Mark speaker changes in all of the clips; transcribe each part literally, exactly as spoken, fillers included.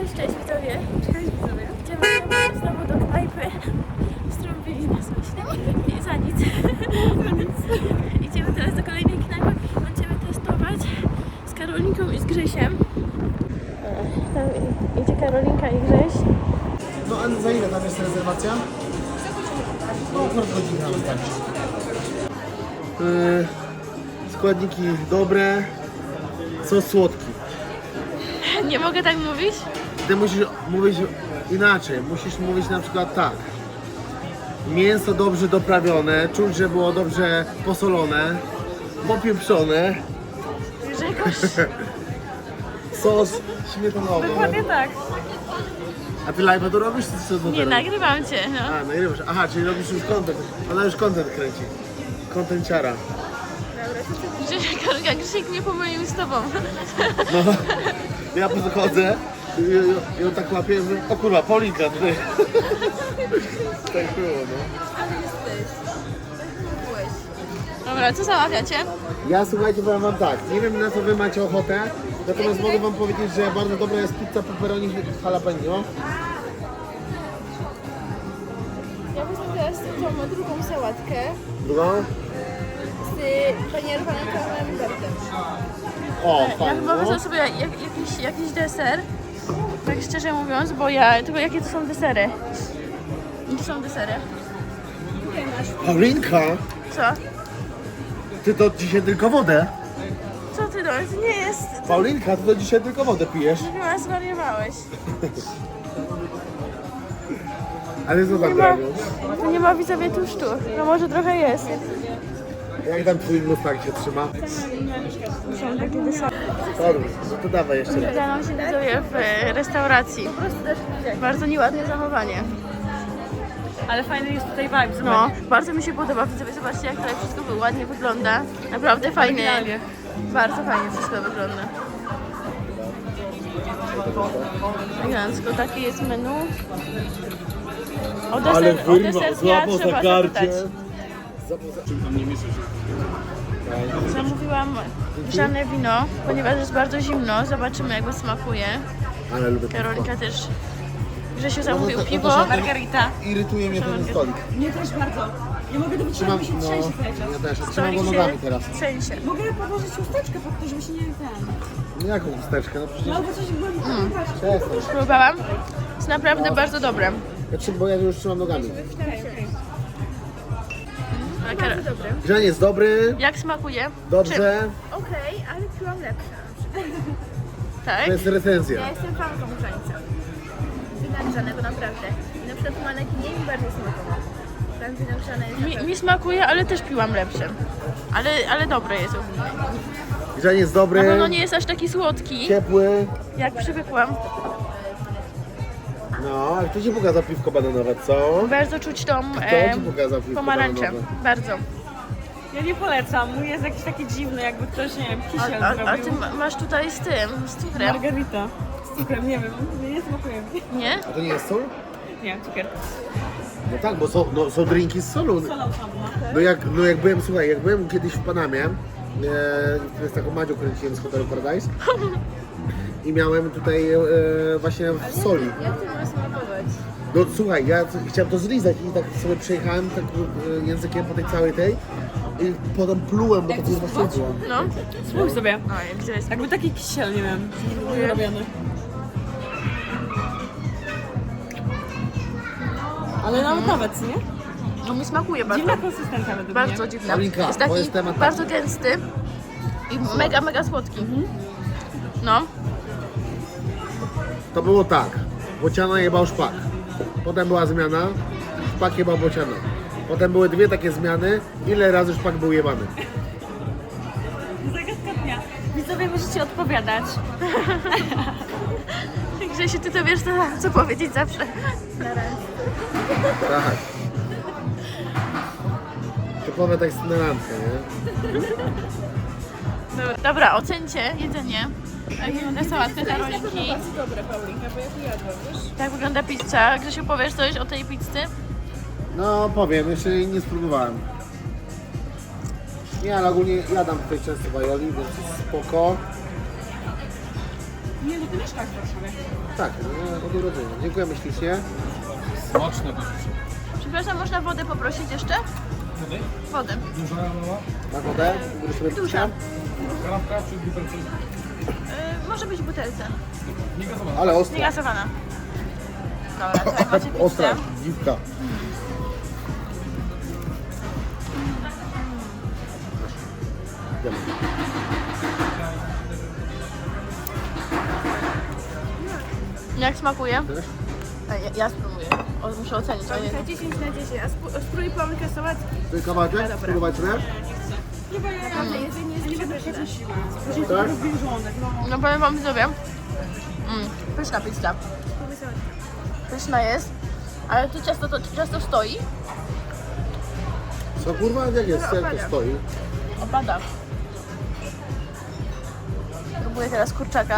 Speaker 1: Cześć widzowie. Cześć widzowie. Idziemy znowu do knajpy, z którą byli nas właśnie i za nic. Idziemy teraz do kolejnej knajpy. Będziemy testować z Karolinką i z Grzesiem. Tam idzie Karolinka i Grześ.
Speaker 2: No a za ile tam jest rezerwacja? No akurat godzinę wystarczy. Yy, składniki dobre, sos słodki.
Speaker 1: Nie mogę tak mówić?
Speaker 2: Ty musisz mówić inaczej, musisz mówić na przykład tak. Mięso dobrze doprawione, czuć, że było dobrze posolone, popieprzone.
Speaker 1: Że jakoś...
Speaker 2: Sos śmietanowy.
Speaker 1: Dokładnie tak.
Speaker 2: A ty live'a to robisz, czy co to
Speaker 1: Nie,
Speaker 2: teraz?
Speaker 1: nagrywam cię, no.
Speaker 2: A, nagrywasz. Aha, czyli robisz już content. Ona już content kręci. Contenciara.
Speaker 1: Grzesiek, Karolinka, Grzesiek mnie pomylił z tobą.
Speaker 2: No, ja podchodzę i ją, ją tak łapię i mówię, o kurwa, Paulinka tutaj. Tak było, no.
Speaker 1: Dobra, co zamawiacie?
Speaker 2: Ja słuchajcie, powiem wam tak, nie wiem na co wy macie ochotę, natomiast mogę wam powiedzieć, że bardzo dobra jest pizza pepperoni z jalapeno.
Speaker 1: Ja wezmę teraz tą drugą sałatkę
Speaker 2: Drugą?
Speaker 1: z panierowanym camembertem.
Speaker 2: O,
Speaker 1: Ja
Speaker 2: fajnie,
Speaker 1: chyba
Speaker 2: no.
Speaker 1: wezmę sobie jak, jakiś, jakiś deser, tak szczerze mówiąc, bo ja... Tylko jakie to są desery? Jakie są desery?
Speaker 2: Paulinka,
Speaker 1: Co?
Speaker 2: ty to dzisiaj tylko wodę.
Speaker 1: Co ty do To nie jest...
Speaker 2: Paulinka, ty to dzisiaj tylko wodę pijesz.
Speaker 1: Chyba zwariowałeś.
Speaker 2: Ale co
Speaker 1: Nie
Speaker 2: tam
Speaker 1: ma,
Speaker 2: robią?
Speaker 1: tu nie ma widzowie tłuszczu. No może trochę jest.
Speaker 2: Jak tam twój mustak się trzyma?
Speaker 1: Są takie desery.
Speaker 2: Dobrze, no to dawaj jeszcze raz.
Speaker 1: Widziałam się widzowie w e, restauracji. Po prostu też bardzo nieładne zachowanie.
Speaker 3: Ale fajny jest tutaj vibe, zobacz.
Speaker 1: No, bardzo mi się podoba. Widzowie, zobaczcie jak tutaj wszystko ładnie wygląda. Naprawdę fajnie. Bardzo fajnie wszystko wygląda. Elegancko, takie jest menu. O deser, o deser ja trzeba zapytać. Zamówiłam grzane wino, ponieważ jest bardzo zimno. Zobaczymy jak go smakuje.
Speaker 2: Ale lubię
Speaker 1: Karolika też. Grzesiu
Speaker 2: No
Speaker 1: zamówił
Speaker 2: to- to-
Speaker 1: piwo.
Speaker 2: to żadne-
Speaker 3: Margarita.
Speaker 2: Irytuje mnie ten stolik.
Speaker 3: Mnie też bardzo. Nie mogę do
Speaker 2: Trzymam,
Speaker 3: wytrzymać, mi się
Speaker 2: no,
Speaker 3: trzęsie cały czas.
Speaker 2: ja też, trzymam
Speaker 1: Stolik
Speaker 2: go
Speaker 1: się
Speaker 2: nogami teraz.
Speaker 1: trzęsie.
Speaker 3: Mogę podłożyć chusteczkę pod to, żeby się nie ten...
Speaker 2: No jaką chusteczkę? No przecież
Speaker 3: No albo coś głębiej. Mm.
Speaker 2: przestań.
Speaker 1: Próbowałam. Jest naprawdę bardzo dobre.
Speaker 2: Ja trzym, bo ja już trzymam nogami.
Speaker 1: A Karol,
Speaker 2: Grzanie jest dobry,
Speaker 1: jak smakuje?
Speaker 2: dobrze,
Speaker 4: Okej, ale piłam lepsza.
Speaker 1: Tak?
Speaker 2: to jest recenzja.
Speaker 4: Ja jestem fanką grzańca. Wina grzanego naprawdę. I na przykład maneki nie mi bardziej smakował. Tam wino grzane jest
Speaker 1: Mi,
Speaker 4: naprawdę...
Speaker 1: mi smakuje, ale też piłam lepsze. Ale, ale dobre jest ogólnie.
Speaker 2: Grzanie jest
Speaker 1: Na
Speaker 2: dobry,
Speaker 1: pewno nie jest aż taki słodki,
Speaker 2: ciepły.
Speaker 1: jak przywykłam.
Speaker 2: No, ale kto ci pokazał piwko bananowe, co?
Speaker 1: Bardzo czuć tą
Speaker 2: Kto
Speaker 1: e,
Speaker 2: ci pokazał piwko
Speaker 1: pomarańczę.
Speaker 2: bananowe?
Speaker 1: Bardzo.
Speaker 3: Ja nie polecam, mój jest jakiś taki dziwny, jakby ktoś, nie wiem,
Speaker 1: A,
Speaker 3: kisiel
Speaker 1: a, a
Speaker 3: zrobił.
Speaker 1: ty ma- masz tutaj z tym, z cukrem,
Speaker 3: Margarita. Z cukrem, nie wiem, nie, nie smakuje mi.
Speaker 1: nie?
Speaker 2: A to nie jest sól?
Speaker 3: Nie, cukier.
Speaker 2: No tak, bo są, no, są drinki z solą.
Speaker 3: Solą tam, no.
Speaker 2: No jak, no jak byłem, słuchaj, jak byłem kiedyś w Panamie, e, z taką Madzią kręciłem z Hotelu Paradise i miałem tutaj e, właśnie w soli.
Speaker 4: Jak to ma smakować?
Speaker 2: No słuchaj, ja c- chciałem to zlizać i tak sobie przejechałem tak e, językiem po tej całej tej i potem plułem, bo to jest właśnie było.
Speaker 1: No.
Speaker 3: Spróbuj sobie.
Speaker 1: No, gdzie jest?
Speaker 3: Jakby taki kisiel, nie wiem, robiony. Ale nawet nawet, nie?
Speaker 1: No mi smakuje bardzo.
Speaker 3: Dziwna konsystencja według
Speaker 1: Bardzo
Speaker 3: mnie.
Speaker 1: dziwny.
Speaker 2: Paulinka,
Speaker 1: Jest
Speaker 2: to
Speaker 1: taki
Speaker 2: jest temat
Speaker 1: bardzo gęsty i mega, mega słodki. No.
Speaker 2: To było tak, Bociana jebał szpak, potem była zmiana, szpak jebał Bociana. Potem były dwie takie zmiany, ile razy szpak był jebany.
Speaker 3: Zagadka dnia. Widzowie możecie odpowiadać.
Speaker 1: Grzesiu, ty to wiesz co, co powiedzieć zawsze.
Speaker 2: Tak. Typowe tak na randkę, nie?
Speaker 1: Dobra, Dobra ocencie jedzenie. Jak wygląda sałatka Karolinki.
Speaker 4: Bardzo dobre, Paulinka, bo ja tu jadłam, wiesz?
Speaker 1: Jak wygląda pizza? Grzesiu, powiesz coś o tej pizzy?
Speaker 2: No powiem, jeszcze jej nie spróbowałem. Nie, ale ogólnie jadam tutaj często w Aioli, więc jest spoko.
Speaker 3: Nie, no ty mieszkasz w Warszawie.
Speaker 2: Tak, no, od urodzenia. Dziękujemy ślicznie.
Speaker 5: Smaczne to rzeczy.
Speaker 1: Przepraszam, można wodę poprosić jeszcze?
Speaker 5: Wody?
Speaker 1: Wodę.
Speaker 5: Duża mała?
Speaker 2: Na wodę? Będziesz sobie
Speaker 1: Duża.
Speaker 5: Kanapka czy butelce?
Speaker 1: Yy, może być w butelce.
Speaker 5: Nie gazowana.
Speaker 2: Ale ostra.
Speaker 1: Niegazowana. Dobra, tutaj macie
Speaker 2: Ostra,
Speaker 1: pizzę.
Speaker 2: dziwka. Idziemy.
Speaker 1: Jak smakuje?
Speaker 2: Też?
Speaker 1: A, Ja, ja spróbuję. O, muszę ocenić. O, nie.
Speaker 4: dziesięć na dziesięć, a spró- spróbuj pałkę sałatki.
Speaker 2: Ty kawałeczek?
Speaker 4: dobra.
Speaker 2: Spróbować sobie?
Speaker 4: Naprawdę jedzenie jest nieprzepyszne.
Speaker 2: Tak?
Speaker 1: No powiem wam widzowie. Mm, pyszna pizza.
Speaker 4: Spróbuj sałatkę.
Speaker 1: Pyszna jest. Ale to ciasto, to ciasto stoi.
Speaker 2: Co kurwa? Jak jest? Jak to stoi?
Speaker 1: Opada. Próbuję teraz kurczaka.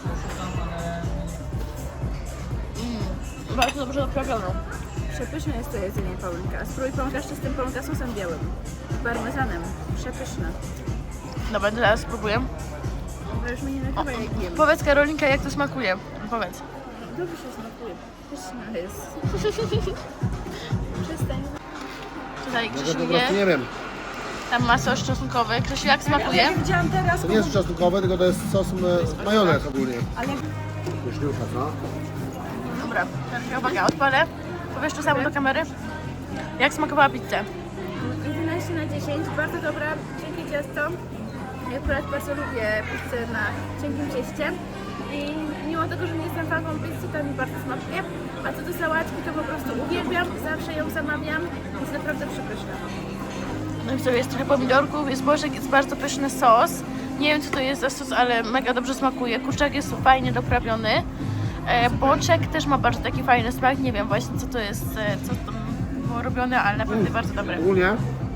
Speaker 1: Mm, bardzo dobrze doprawioną.
Speaker 4: Przepyszne jest to jedzenie Paulinka. Spróbuj Paulinka z czystym Paulinka sosem białym. Z parmezanem. Przepyszne.
Speaker 1: Dobra, teraz spróbuję.
Speaker 4: Bo już mnie nie nakrywa jak jem.
Speaker 1: Powiedz Karolinka, jak to smakuje. Powiedz.
Speaker 4: Dobrze się smakuje. Pyszna jest. Przestań.
Speaker 1: Tutaj
Speaker 2: Może
Speaker 1: Krzysiu
Speaker 2: po prostu
Speaker 1: je.
Speaker 2: nie wiem.
Speaker 1: Tam ma sos czosnkowy. Krzysiu, jak smakuje?
Speaker 3: Ja widziałam teraz,
Speaker 2: To nie jest czosnkowe, tylko to jest sos e, majonez ogólnie.
Speaker 3: ale
Speaker 2: Pyszniucha, co?
Speaker 1: Dobra, teraz uwaga, odpalę. Powiesz to samo do kamery? Jak smakowała pizza?
Speaker 4: jedenaście na dziesięć. Bardzo dobra. Cienkie ciasto. Ja akurat bardzo lubię pizzę na cienkim cieście. I mimo tego, że nie jestem fanką pizzy, to mi bardzo smakuje. A co do sałatki, to po prostu uwielbiam. Zawsze ją zamawiam. Jest naprawdę przepyszna.
Speaker 1: No i sobie jest trochę pomidorków, jest boczek, jest bardzo pyszny sos. Nie wiem co to jest za sos, ale mega dobrze smakuje. Kurczak jest fajnie doprawiony. E, boczek też ma bardzo taki fajny smak. Nie wiem właśnie co to jest, e, co tam było robione, ale naprawdę bardzo dobre.
Speaker 2: Ogólnie?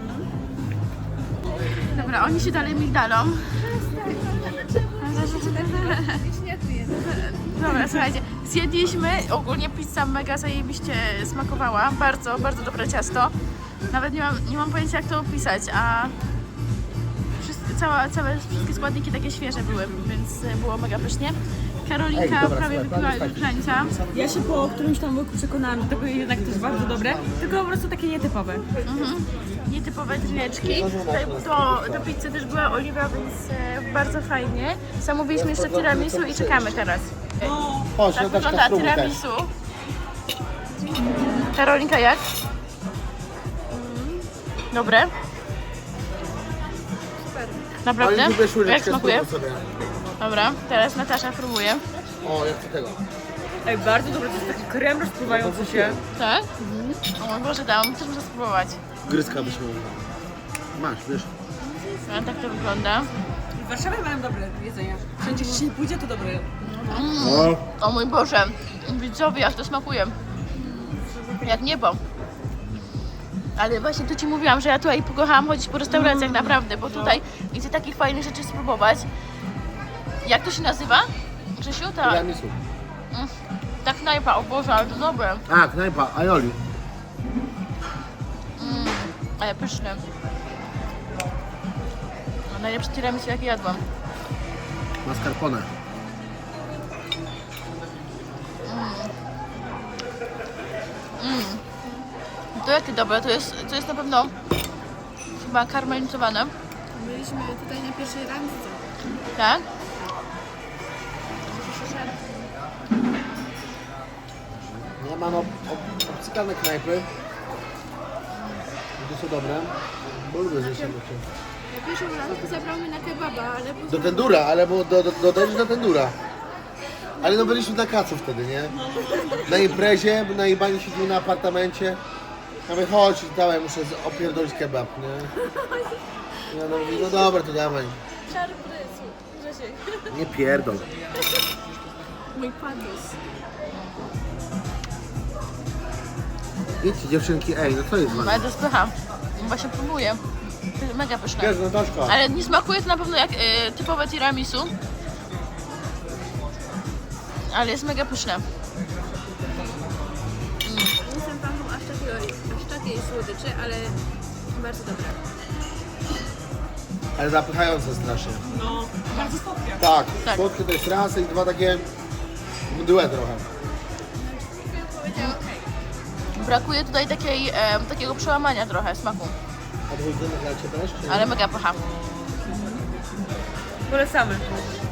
Speaker 1: Dobra, oni się dalej migdalą. Dobra, słuchajcie, zjedliśmy, ogólnie pizza mega zajebiście smakowała, bardzo, bardzo dobre ciasto. Nawet nie mam, nie mam pojęcia jak to opisać, a wszystkie, cała, całe, wszystkie składniki takie świeże były, więc e, było mega pysznie. Karolinka
Speaker 2: Ej, dobra,
Speaker 1: prawie
Speaker 2: słuchaj, plan
Speaker 1: wypiła
Speaker 2: jest taki.
Speaker 1: wykrańca.
Speaker 3: ja się po którymś tam łyku przekonałam do tego, jednak to jest bardzo dobre, tylko po prostu takie nietypowe.
Speaker 1: Mhm. Nietypowe drineczki. Tutaj do, do pizzy też była oliwa, więc e, bardzo fajnie. Zamówiliśmy jeszcze tiramisu i czekamy teraz.
Speaker 2: Chodź,
Speaker 1: Tak
Speaker 2: no też
Speaker 1: wygląda
Speaker 2: spróbuj też.
Speaker 1: tiramisu. Karolinka jak? Dobre?
Speaker 4: Super.
Speaker 1: Naprawdę?
Speaker 2: Ale lubię
Speaker 1: Jak
Speaker 2: szuleczkę,
Speaker 1: smakuje?
Speaker 2: spróbuj sobie.
Speaker 1: Dobra, teraz Natasza próbuje.
Speaker 2: O, jak to tego?
Speaker 3: Ej, bardzo dobre, to jest taki krem rozpływający się.
Speaker 1: Tak? O mój Boże, dałam, też muszę spróbować.
Speaker 2: Gryzka byś mówiła. Masz, wiesz?
Speaker 1: A tak to wygląda.
Speaker 3: W Warszawie mają dobre jedzenie. Wszędzie gdzie się nie pójdzie, to dobre.
Speaker 2: No.
Speaker 1: O mój Boże, widzowie, jak to smakuje. Jak niebo. Ale właśnie tu Ci mówiłam, że ja tutaj pokochałam chodzić po restauracjach naprawdę, bo tutaj idzie takich fajnych rzeczy spróbować. Jak to się nazywa? Grzesiu? Ta,
Speaker 2: Tiramisu.
Speaker 1: mm, ta knajpa, o Boże, ale to dobre.
Speaker 2: A, knajpa, aioli.
Speaker 1: Mm, ale pyszne. No, najlepsze tiramisu jakie jadłam.
Speaker 2: Mascarpone.
Speaker 1: To jakie dobre, to jest, to jest na pewno chyba karmelizowane,
Speaker 4: Byliśmy tutaj na pierwszej randce.
Speaker 1: tak?
Speaker 2: Ja mam ob, ob, obcykane knajpy. To są dobre. Bo lubię zjeść się.
Speaker 4: Na pierwszą randkę zabrał mnie na kebaba, ale później...
Speaker 2: Do tendura, ale bo do, do, do, do, do tendura. Ale no byliśmy na kacu wtedy, nie? Na imprezie, na jebaniu siedzimy na apartamencie. Ja mówię, chodź, dawaj, muszę z- opierdolić kebab, nie? Ja no mówię, no dobra, to dawaj.
Speaker 4: Czary pomysłu. Grzesiek.
Speaker 2: Nie pierdol.
Speaker 4: Mój padus.
Speaker 2: Idźcie dziewczynki, ej, no co jest z
Speaker 1: Ale
Speaker 2: wami?
Speaker 1: to spycha. Właśnie próbuję. To jest mega pyszne.
Speaker 2: Wiesz, Nataszka.
Speaker 1: Ale nie smakuje to na pewno jak y, typowe tiramisu. Ale jest mega pyszne.
Speaker 4: Nie jestem fanką aż takiej, aż takiej słodyczy, ale bardzo dobra.
Speaker 2: Ale zapychające strasznie.
Speaker 3: No, bardzo słodkie.
Speaker 2: Tak,
Speaker 1: Tak.
Speaker 2: słodkie to jest raz i dwa takie mdłe trochę.
Speaker 1: Brakuje tutaj takiej, e, takiego przełamania trochę smaku,
Speaker 2: A dwójkę nagracie też? Czy nie?
Speaker 1: ale mega pycha.
Speaker 3: Polecamy.